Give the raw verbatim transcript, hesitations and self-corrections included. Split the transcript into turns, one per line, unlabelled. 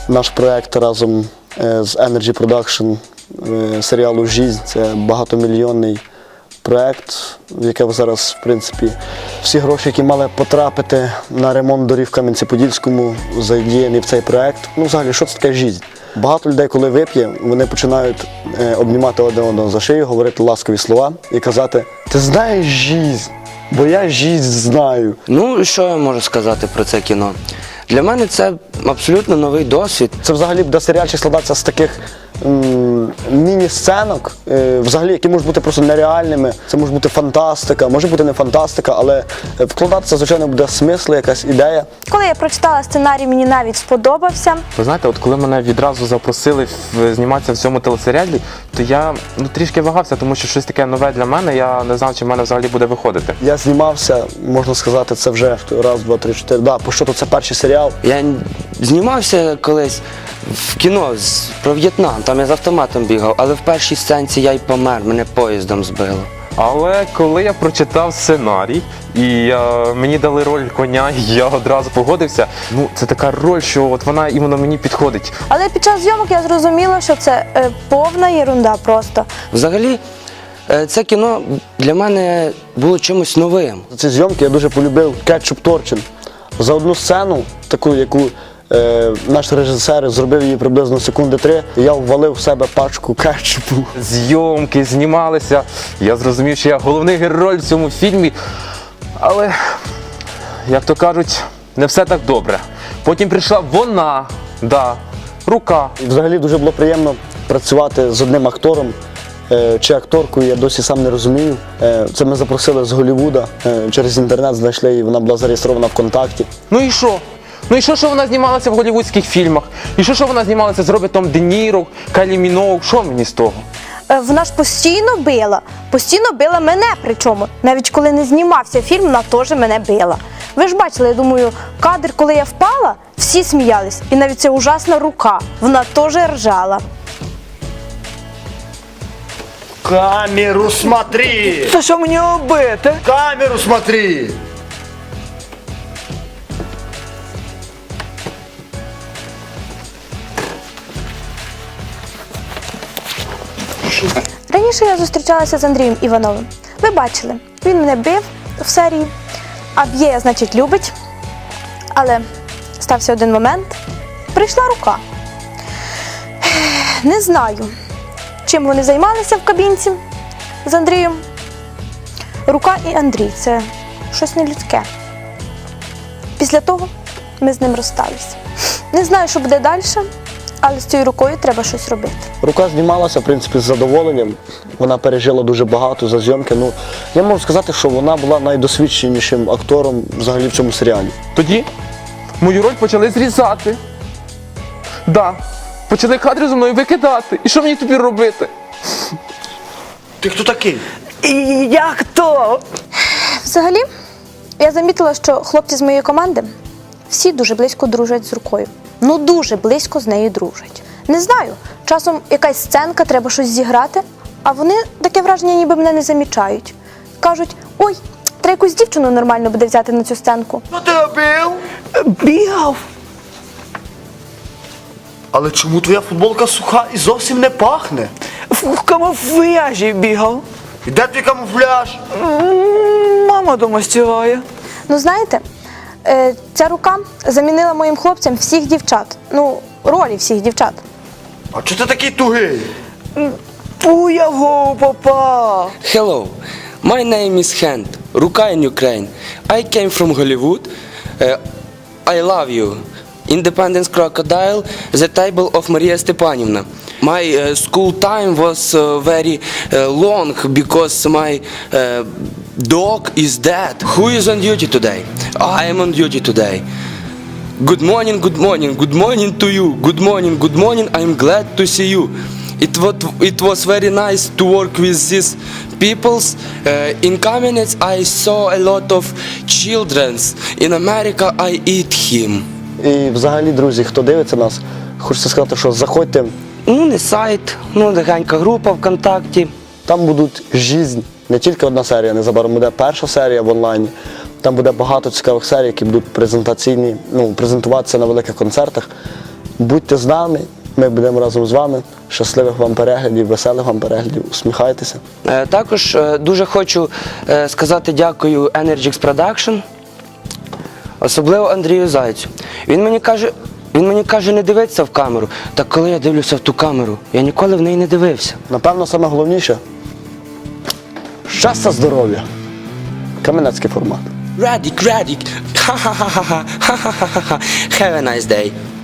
наш проєкт разом з Energy Production серіалу «Жизнь». Це багатомільйонний проєкт, в який зараз, в принципі, всі гроші, які мали потрапити на ремонт доріг в Кам'янці-Подільському, задіяні в цей проєкт. Ну, взагалі, що це таке «Жизнь»? Багато людей, коли вип'є, вони починають обнімати один одного за шию, говорити ласкові слова і казати: «Ти знаєш жизнь, бо я жизнь знаю».
Ну, що я можу сказати про це кіно? Для мене це абсолютно новий досвід.
Це взагалі буде серіальчик складатися з таких м, міні-сценок, е, взагалі, які можуть бути просто нереальними. Це може бути фантастика, може бути не фантастика, але вкладатися, звичайно, буде смисл, якась ідея.
Коли я прочитала сценарій, мені навіть сподобався.
Ви знаєте, от коли мене відразу запросили в- зніматися в цьому телесеріалі, то я ну, трішки вагався, тому що щось таке нове для мене, я не знав, чи в мене взагалі буде виходити.
Я знімався, можна сказати, це вже раз, два, три, чотири. Да, по що то це перший серіал.
Я знімався колись в кіно з- про В'єтнам, там я з автоматом бігав, але в першій сценці я й помер, мене поїздом збило.
Але коли я прочитав сценарій і е, мені дали роль коня, і я одразу погодився. Ну, це така роль, що от вона іменно мені підходить.
Але під час зйомок я зрозуміла, що це е, повна єрунда просто.
Взагалі, е, це кіно для мене було чимось новим.
За ці зйомки я дуже полюбив кетчуп Торчин. За одну сцену, таку, яку е, наш режисер зробив її приблизно секунди три, я ввалив в себе пачку кетчупу.
Зйомки знімалися, я зрозумів, що я головний герой в цьому фільмі. Але, як то кажуть, не все так добре. Потім прийшла вона, да, рука.
І взагалі дуже було приємно працювати з одним актором е, чи акторкою, я досі сам не розумію. Е, Це ми запросили з Голлівуда, е, через інтернет знайшли її, вона була зареєстрована ВКонтакті.
Ну і що? Ну і що, що вона знімалася в голлівудських фільмах? І що, що вона знімалася з Робертом Де Ніро, Кайлі Міноуг? Що мені з того?
Е, Вона ж постійно била, постійно била мене причому. Навіть коли не знімався фільм, вона теж мене била. Ви ж бачили, я думаю, кадр, коли я впала, всі сміялись. І навіть ця ужасна рука, вона теж ржала.
Камеру смотри!
Та що мені робити?
Камеру смотри!
Раніше я зустрічалася з Андрієм Івановим. Ви бачили, він мене бив в серії, а б'є, значить, любить. Але стався один момент, прийшла рука. Не знаю, чим вони займалися в кабінці з Андрієм. Рука і Андрій – це щось нелюдське. Після того ми з ним розсталися. Не знаю, що буде далі, але з цією рукою треба щось робити.
Рука знімалася, в принципі, з задоволенням. Вона пережила дуже багато за зйомки. Ну, я можу сказати, що вона була найдосвідченішим актором взагалі в цьому серіалі.
Тоді мою роль почали зрізати. Да, почали кадри зі мною викидати. І що мені тобі робити?
Ти хто такий?
І як то?
Взагалі, я замітила, що хлопці з моєї команди всі дуже близько дружать з рукою. Ну, дуже близько з нею дружать. Не знаю, часом якась сценка, треба щось зіграти, а вони таке враження, ніби мене не замічають. Кажуть: ой, треба якусь дівчину нормально буде взяти на цю сценку.
Що ти робив?
Бігав.
Але чому твоя футболка суха і зовсім не пахне?
В камуфляжі бігав.
І де твій камуфляж?
М, Мама дома стирає.
Ну, знаєте, е, ця рука замінила моїм хлопцям всіх дівчат. Ну, ролі всіх дівчат.
А чого ти такий тугий?
У його попав.
Hello, my name is Hand, Ruka in Ukraine. I came from Hollywood. Uh, I love you. Independence Crocodile, the table of Maria Stepanivna. My uh, school time was uh, very uh, long because my uh, dog is dead. Who is on duty today? I am on duty today. Good morning, good morning, good morning to you. Good morning, good morning. I'm glad to see you. It was, it was very nice to work with these peoples. Uh, in Kamenets I saw a lot of children. In America I eat him.
І взагалі, друзі, хто дивиться нас, хочеться сказати, що заходьте,
Ну, не сайт, ну, легенька група ВКонтакті.
там будуть «Жизнь». Не тільки одна серія, незабаром буде перша серія в онлайні. Там буде багато цікавих серій, які будуть презентаційні, ну, презентуватися на великих концертах. Будьте з нами, ми будемо разом з вами. Щасливих вам переглядів, веселих вам переглядів, усміхайтеся.
Е, Також е, дуже хочу е, сказати дякую Energix Production, особливо Андрію Зайцю. Він мені каже, він мені каже не дивитися в камеру. Так коли я дивлюся в ту камеру, я ніколи в неї не дивився.
Напевно, саме головніше – щастя, здоров'я. Кам'янецький формат.
Радік, Радік, ха-ха-ха-ха, ха-ха-ха-ха, have a nice day.